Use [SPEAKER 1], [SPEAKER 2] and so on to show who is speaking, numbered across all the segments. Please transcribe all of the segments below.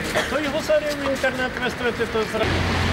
[SPEAKER 1] А то його зараз в інтернет виставити, то зразу.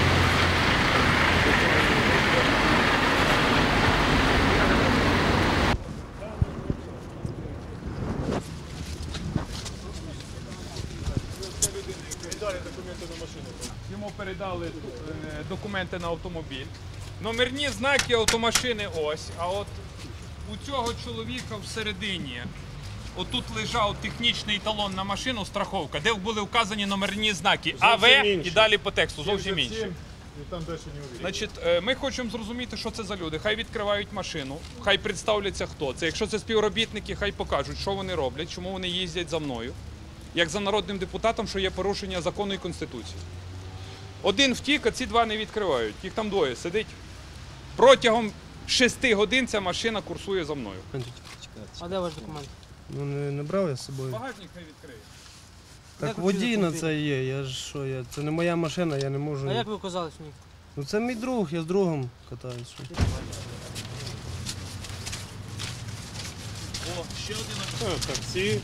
[SPEAKER 2] Документи на машину. Йому передали документи на автомобіль. Номерні знаки автомашини ось, а от у цього чоловіка всередині отут лежав технічний талон на машину, страховка, де були вказані номерні знаки АВ і далі по тексту, зовсім інші.
[SPEAKER 3] І там далі не увидно.
[SPEAKER 2] Значить, ми хочемо зрозуміти, що це за люди. Хай відкривають машину, хай представляться, хто це. Якщо це співробітники, хай покажуть, що вони роблять, чому вони їздять за мною, як за народним депутатом, що є порушення закону і Конституції. Один втік, а ці два не відкривають. Їх там двоє сидить. Протягом 6 годин ця машина курсує за мною.
[SPEAKER 4] А де ваш документ?
[SPEAKER 5] Ну не брав я з собою.
[SPEAKER 2] Багажник хай відкриє.
[SPEAKER 5] Так
[SPEAKER 4] Як ви
[SPEAKER 5] водій
[SPEAKER 4] вчили
[SPEAKER 5] на
[SPEAKER 4] автомобіль?
[SPEAKER 5] це є, я ж що я. Це не моя машина, я не можу.
[SPEAKER 4] А як ви оказались в ній?
[SPEAKER 5] Ну це мій друг, я з другом катаюсь. Що?
[SPEAKER 1] Таксі.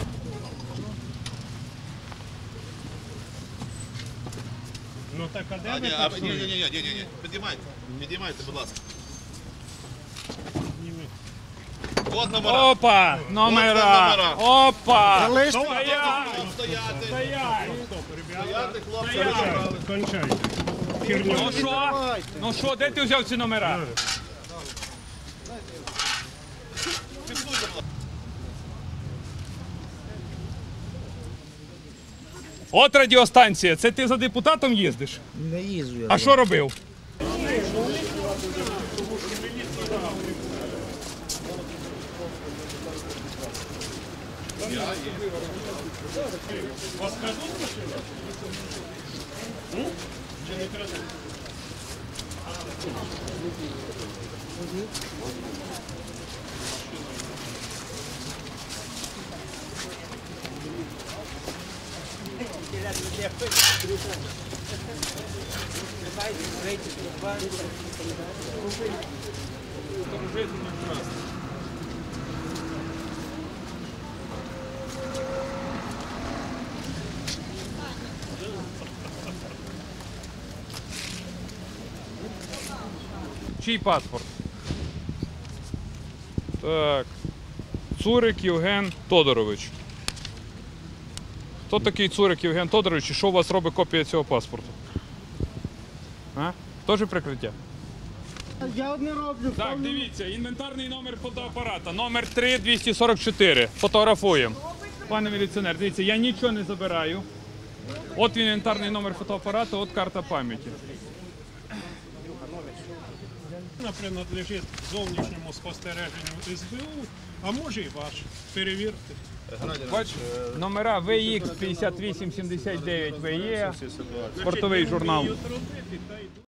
[SPEAKER 1] Ну так, а де ви таксуєте?
[SPEAKER 6] Ні, підіймайте, будь ласка. От номера.
[SPEAKER 2] Опа! Номера! Опа!
[SPEAKER 6] Стояти, хлопці.
[SPEAKER 1] Кончайте. Херню.
[SPEAKER 2] Ну що? Ну що, де ти взяв ці номера? От радіостанція, це ти за депутатом їздиш?
[SPEAKER 4] Не їжджу я.
[SPEAKER 2] А що робив?
[SPEAKER 1] Вас крадуть машину? Чи не крадуть?
[SPEAKER 2] Чий паспорт? Так. Цурик Євген Тодорович. Хто такий Цурик Євген Тодорович і що у вас робить копія цього паспорту? А? Теж прикриття?
[SPEAKER 5] Я не роблю.
[SPEAKER 2] Так, дивіться, інвентарний номер фотоапарата, номер 3244. Фотографуємо. Пане міліціонер, дивіться, я нічого не забираю. От інвентарний номер фотоапарата, от карта пам'яті.
[SPEAKER 1] Вона принадлежить зовнішньому спостереженню СБУ, а може і ваш. Перевірте.
[SPEAKER 2] Бач, номера VX 5879 VE, спортовий журнал.
[SPEAKER 1] Вміють робити, та й